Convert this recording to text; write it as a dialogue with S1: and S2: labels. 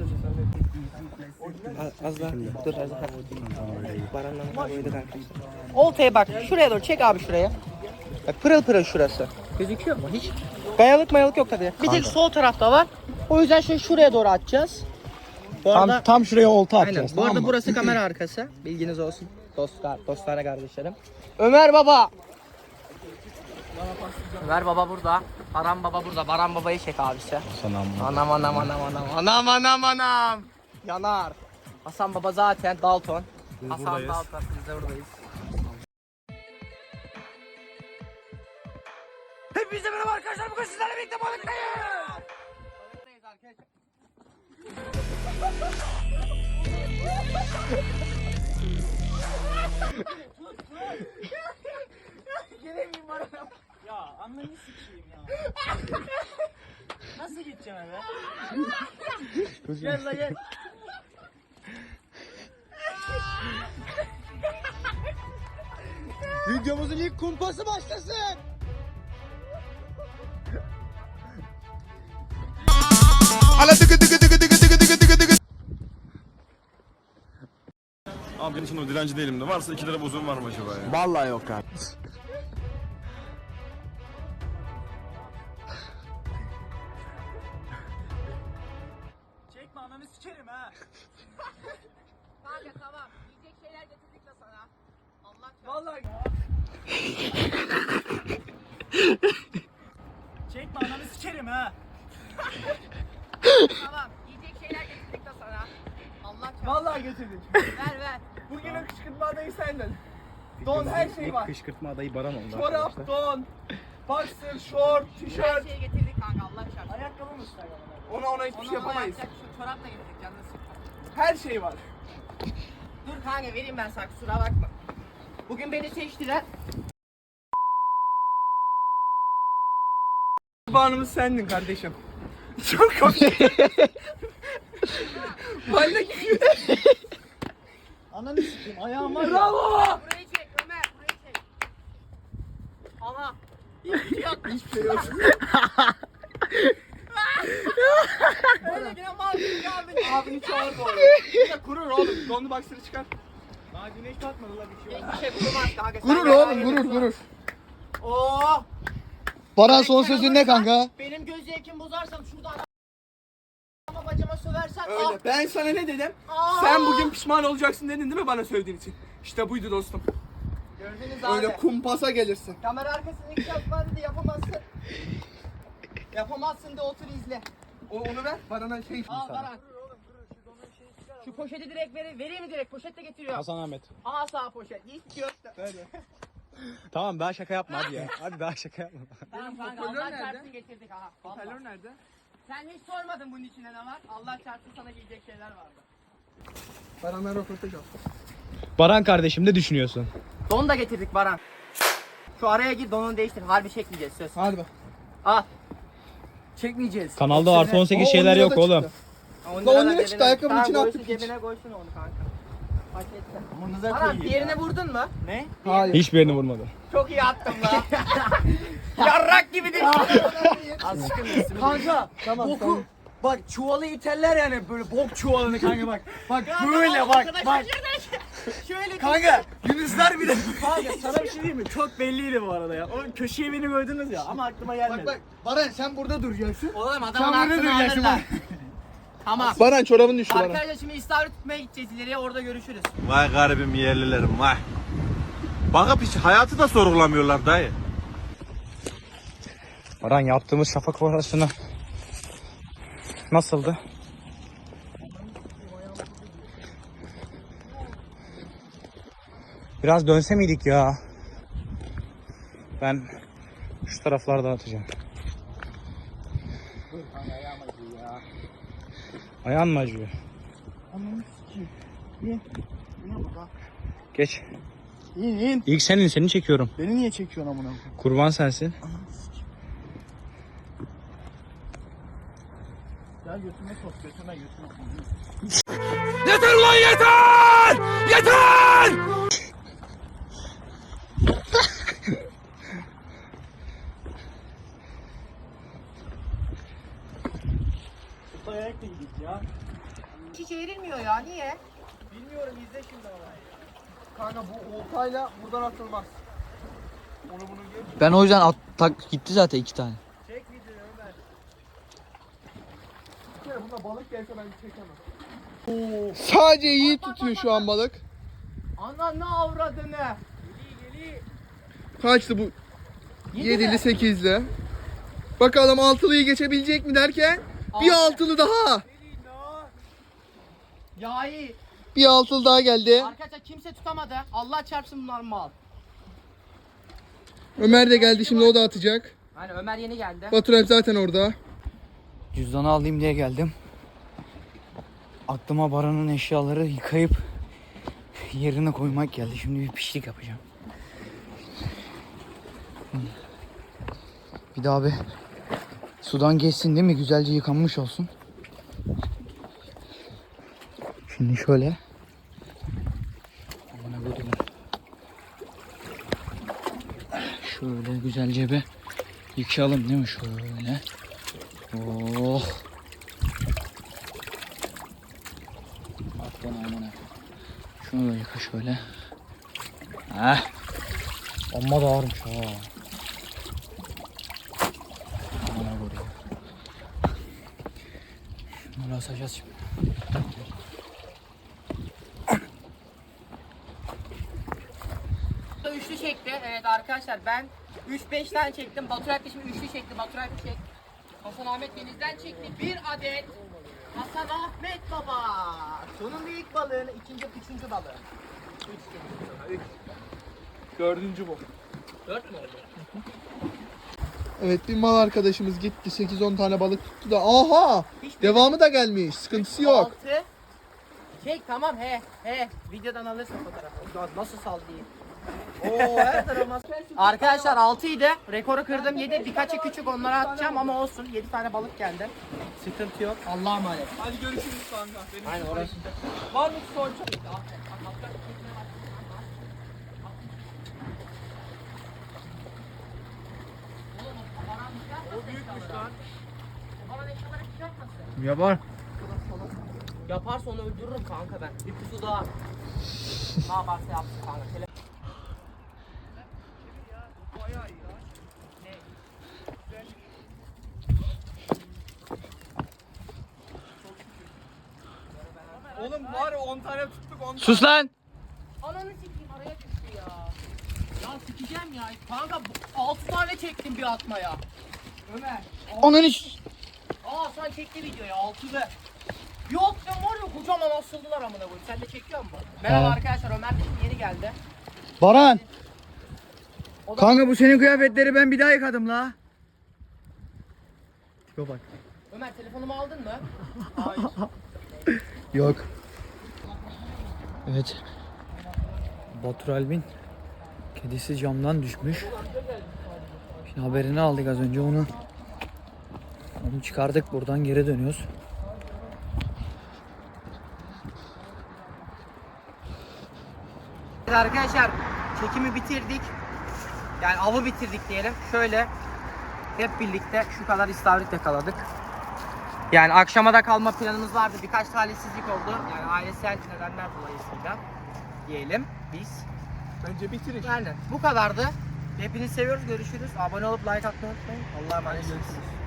S1: Az daha. Dur az daha. Baran'la boyadık arkadaşlar. Oltaya bak. Şuraya doğru çek abi şuraya. Bak pırıl pırıl şurası. Gözüküyor mu hiç? Kayalık mayalık yok tabii. Bir tek sol tarafta var. O yüzden şuraya doğru atacağız. Bu arada,
S2: tam şuraya olta atacağız.
S1: aynen. Bu arada burası kamera arkası. Bilginiz olsun. Dostlar kardeşlerim. Ömer Baba. Ömer Baba burada. Baran Baba burada. Baran Baba'yı çek abisi. Anam. Yanar. Hasan Baba zaten Dalton. Hasan buradayız. Dalton. Biz de buradayız. Hepinize merhaba arkadaşlar. Bugün sizlerle birlikte balıktayız. Balıktayız arkadaşlar. Gelemeyim bana.
S3: Ya anlayı sikeyim ya. Nasıl gideceğim eve? Gel la gel.
S2: Videomuzun ilk kumpası başlasın.
S4: Abi ben için o dilenci değilim de varsa 2 lira bozum var mı acaba ya?
S2: Vallahi yok abi.
S3: Çekme ananı sikerim ha.
S5: Kanka tamam. Yiyecek şeyler getirdik de sana. Allah çarpsın.
S3: Vallahi. Çekme ananı sikerim ha.
S5: Tamam. Yiyecek şeyler getirdik de sana. Allah çarpsın.
S3: Vallahi getirdik.
S5: Ver.
S3: Bugünün kışkırtma adayı senden. Don her şey var.
S2: Kışkırtma adayı Baran oldu.
S3: Çorap, don, boxer, short,
S5: Her
S3: tişört.
S5: şeyi getirdik kanka Allah çarpsın.
S3: Ayakkabı mı ister? Ona hiçbir şey yapamayız.
S5: Yapacak şu çorap da getirdik canını sıkma.
S3: Her şey var.
S5: Dur kanka vereyim ben sana kusura bakma. Bugün beni seçtiler.
S3: Kurbanımız sendin kardeşim. Çok komik. Valla gibi. Ananı sikeyim ayağım var. Bravo.
S5: Burayı çek Ömer burayı çek. Aha. Hiçbir şey yok.
S3: Hiçbir şey yok.
S5: Öyle yine mal gibi abi.
S3: Abini çağır bu arada. Kurur oğlum. Donlu boxer'ı çıkar. Daha güneş batmadı la bir şey.
S5: Hiçbir şey kurmaz kanka.
S2: Gurur oğlum gurur.
S5: Oo.
S2: Baran son sözün ne kanka?
S5: Benim göz zevkimi bozarsan şuradan ama bacama söversen
S3: Öyle. Ben sana ne dedim?
S5: Aa!
S3: Sen bugün pişman olacaksın dedin değil mi bana söylediğin için? İşte buydu dostum.
S5: Gördünüz abi.
S3: Öyle kumpasa gelirsin.
S5: Kamera arkasını ilk yapma dedi yapamazsın. Yapamazsın de otur izle.
S3: Onu ver. Bana şey
S5: Al Baran. Şu poşeti direkt vereyim mi direkt? Poşet de getiriyor.
S2: Hasan Ahmet.
S5: Al sağ poşet. Hiç yok da.
S2: Tamam daha şaka yapma hadi ya. Hadi daha şaka yapma.
S5: Tamam kanka
S3: hoparlör
S5: Allah
S3: nerede?
S5: çarpsın getirdik aha. Vallahi.
S3: Hoparlör nerede?
S5: Sen hiç sormadın bunun içine ne var? Allah çarpsın sana giyecek şeyler vardı.
S3: Baranlar röportaj al.
S2: Baran kardeşim ne düşünüyorsun?
S5: Don da getirdik Baran. Şu araya gir donunu değiştir. Harbi çekmeyeceğiz söz.
S3: Hadi bak.
S5: Al. Çekmeyeceğiz.
S2: Kanalda artı 18 şeyler yok oğlum.
S3: 10 lira çıktı, ayakkabının içine attık hiç.
S5: Cebine koysun onu kanka. Paketle.
S3: Amanıza
S5: Baran
S3: koyayım.
S5: diğerine vurdun mu?
S3: Ne?
S2: Hayır. Hiçbirini vurmadı.
S5: Çok iyi attım la. Yarrak gibi değil.
S3: Kanka. Tamam. Boku. Bak çuvalı iteller yani böyle bok çuvalını kanka bak. Bak böyle bak.
S5: Şöyle
S3: Kanka Yunuslar bile. Kanka sana bir şey diyeyim mi? Çok belliydi bu arada ya. O köşeye beni koydunuz ya ama aklıma gelmedi. Bak
S2: Baran sen burada duracaksın.
S5: Oğlum adamın aklını alırlar. Tamam.
S3: Baran çorabın düştü Baran.
S5: Arkadaşlar şimdi istavrit tutmaya gideceğiz ileriye orada görüşürüz.
S4: Vay garibim yerlilerim vay. Bakıp hiç hayatı da sorgulamıyorlar dayı.
S2: Baran yaptığımız şafak operasyonu nasıldı? Biraz dönse miydik ya? Ben şu taraflarda atacağım. Ayağın mı acıyor? Geç.
S3: İn.
S2: İlk seni çekiyorum.
S3: Beni niye çekiyorsun amına?
S2: Kurban sensin.
S3: Ya götüme sok götüme.
S2: Yeter ulan yeter! Yeter!
S3: Ayakla gidik ya.
S1: Hiç eğrilmiyor ya. Niye?
S3: Bilmiyorum izle şimdi ama. Kanka bu oltayla buradan atılmaz. Onu bunu geç.
S6: Ben o yüzden tak gitti zaten 2 tane.
S3: Çek videoyu Ömer. Bir kere bunda balık gelse ben çekemem.
S7: Sadece iyi tutuyor şu an balık.
S1: Ananı avradını.
S7: Kaçtı bu? 7'li 8'li. Bakalım altılıyı geçebilecek mi derken bir altılı daha.
S1: Ya iyi.
S7: Bir altılı daha geldi.
S1: Arkadaşlar kimse tutamadı. Allah çarpsın bunlar mal.
S7: Ömer de geldi, şimdi o da atacak.
S1: Hani Ömer yeni geldi.
S7: Batur Alp zaten orada.
S6: Cüzdanı alayım diye geldim. Aklıma Baran'ın eşyaları yıkayıp yerine koymak geldi. Şimdi bir pişlik yapacağım. Bir daha bir sudan geçsin değil mi? Güzelce yıkanmış olsun. Şimdi şöyle. Amına koydum. Şöyle güzelce bir yıkayalım değil mi? Şöyle. Oh. Bak bana amına. Şunu da yıka şöyle. Heh. Amma da ağırmış ha. Amına koyayım. Şunları asacağız şimdi.
S1: Üçlü çekti. Evet arkadaşlar ben 3-5 tane çektim. Batur Alp de şimdi üçlü çekti. Batur Alp çek. Hasan Ahmet denizden çekti. Bir adet Hasan Ahmet baba. Sonunda ilk balığını, üçüncü balığı. 3
S3: Dördüncü bu.
S1: 4 mü oldu?
S7: Evet, bir mal arkadaşımız gitti, 8-10 tane balık tuttu da. Aha! Devamı da gelmiş, sıkıntısı yok.
S1: 6. Çek tamam he. Videodan alırsın fotoğrafı. Nasıl sal diyeyim. Oo her tarafıma. Arkadaşlar 6 idi. Rekoru kırdım 7. Birkaçı küçük onlara atacağım ama olsun. 7 tane balık geldi. Sıkıntı yok. Allah'a emanet.
S3: Hadi görüşürüz kanka. Benim
S1: Aynen orası.
S3: var mı son çok? O büyükmüş lan.
S1: Bana eşyaları hiç yapmasın.
S2: Yapar.
S1: Yaparsa onu öldürürüm kanka ben. Bir pusu daha. Ne yaparsa yapsın kanka.
S3: Oğlum var ya 10 tane tuttuk 10 tane.
S6: Sus lan!
S1: Ananı sikeyim araya düştü ya. Ya sikeceğim ya. Kanka 6 tane çektim bir atmaya. Ömer.
S6: Onun iş.
S1: Aa sen çekti videoyu 6 be. Yok sen var ya kocaman asıldılar amına koyayım. Sen de çekiyor musun? Merhaba arkadaşlar Ömer de şimdi yeni geldi.
S6: Baran! Kanka bu senin kıyafetleri ben bir daha yıkadım la. Tipe bak.
S1: Ömer telefonumu aldın mı?
S6: Yok. Evet. Batur Alp'in kedisi camdan düşmüş. Şimdi haberini aldık az önce onu çıkardık, buradan geri dönüyoruz.
S1: Evet arkadaşlar çekimi bitirdik. Yani avı bitirdik diyelim. Şöyle hep birlikte şu kadar istavrit yakaladık. Yani akşama da kalma planımız vardı. Birkaç talihsizlik oldu. Yani ailesel nedenler dolayısıyla diyelim biz.
S3: Bence bitirin.
S1: Yani bu kadardı. Hepinizi seviyoruz. Görüşürüz. Abone olup like atmayı unutmayın. Allah'a emanet olun.